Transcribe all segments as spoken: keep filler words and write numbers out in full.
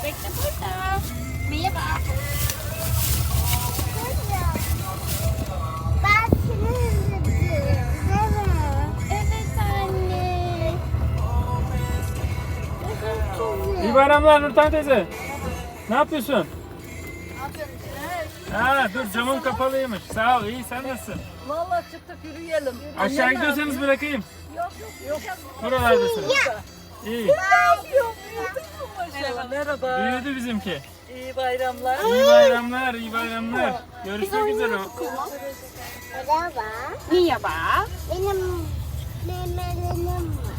Bekle burada. Merhaba. Ben seni özledim. Değil mi? Evet anne. İyi bayramlar Nurten teyze. Ne yapıyorsun? Ne yapıyorsun? Ha dur camım kapalıymış. Sağ ol iyi sen nasılsın? Vallahi çıktık yürüyelim. Aşağı gidiyorsanız bırakayım. Yok yok yok. Buralardasınız. İyi. Merhaba. Merhaba. Büyüdü bizimki. İyi bayramlar. İyi bayramlar, iyi bayramlar. Görüşmek üzere. Merhaba. Merhaba. Benim memelerim var.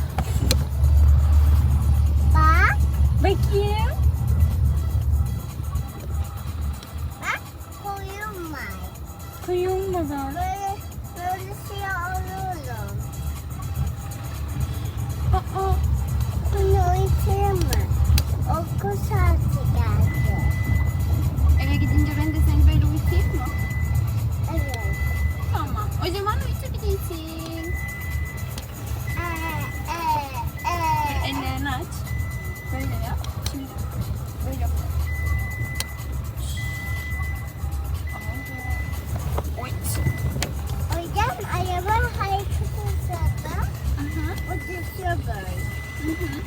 Bak. Bakayım. Bak. Koyun var. Kuyum baba. Böyle, böyle şey alıyorum. Aa. Bunu uyutayım mı? Okul saati geldi. Eve gidince ben de seni böyle uyutayım mı? Evet. Tamam. O zaman uyutabilirsin. Ee, ee, ee. Ellerini aç. Böyle yap. Şimdi böyle yap. Uyut. Hocam araba hareket sırada Aha. o düşüyor böyle. Hı hı.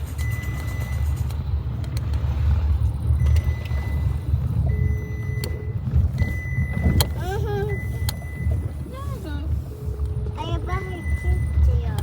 Hı hı. Ne oldu? Araba hareket ediyor.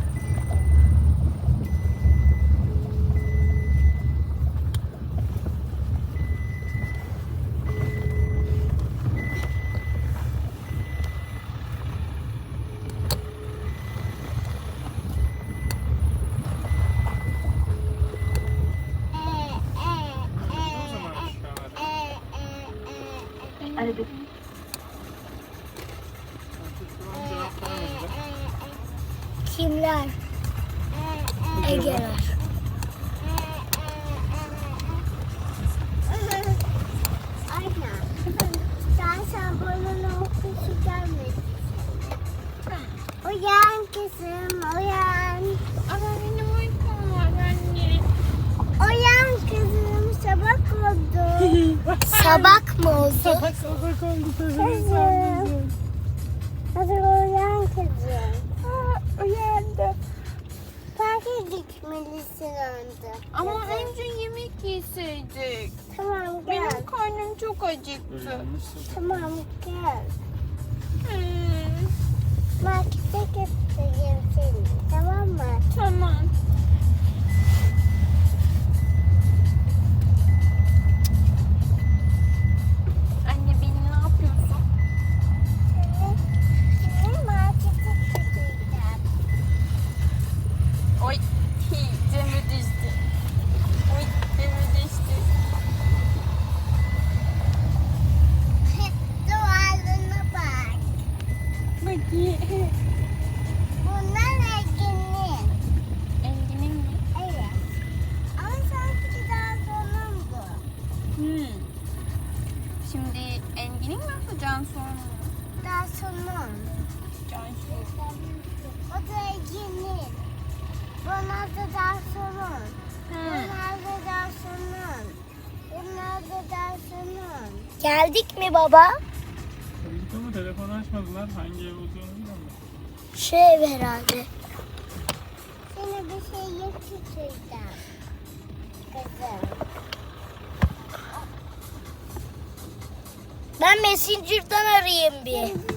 Ee, ee, O ee, zaman aşağılar. ee, ee, ee. Hadi. Kimler? Ege'ler. Aynen. Sen sen bana okuşu gelmedin. Uyan kızım, uyan. Ama benim uykum var anne. Uyan kızım, sabah oldu. Sabah mı oldu? Sabah oldu Kızım. Hadi uyan kızım. Ha, uyandım. Parka gitmelisin önce. Ama önce yemek yeseydik. Tamam gel. Benim karnım çok acıktı. Tamam gel. Hmm, Markete götüreceğim seni. Tamam mı? tamam. Anne beni ne yapıyorsun? Seni, seni markete götüreceğim. Oy, hi, Cemre düştü. Oy, Cemre düştü. Duvarlarına bak. Bakayım. Bunlar Ege'nin. Engin'in mi? Evet. Ama sanki daha sonundu. Hmm. Şimdi Engin'in mi yapacaksın sonra mı? Daha sonun. Cansu. O da Ege'nin. Bunlar da daha sonun. Hmm. Bunlar da daha sonun. Bunlar da daha sonun. Geldik mi baba? Tabii ki ama telefonu açmadılar. Hangi ev olduğunu bilmiyorum. Şu ev herhalde. Sana bir şey getireceğim. Kızım. Ben Messenger'dan arayayım bir.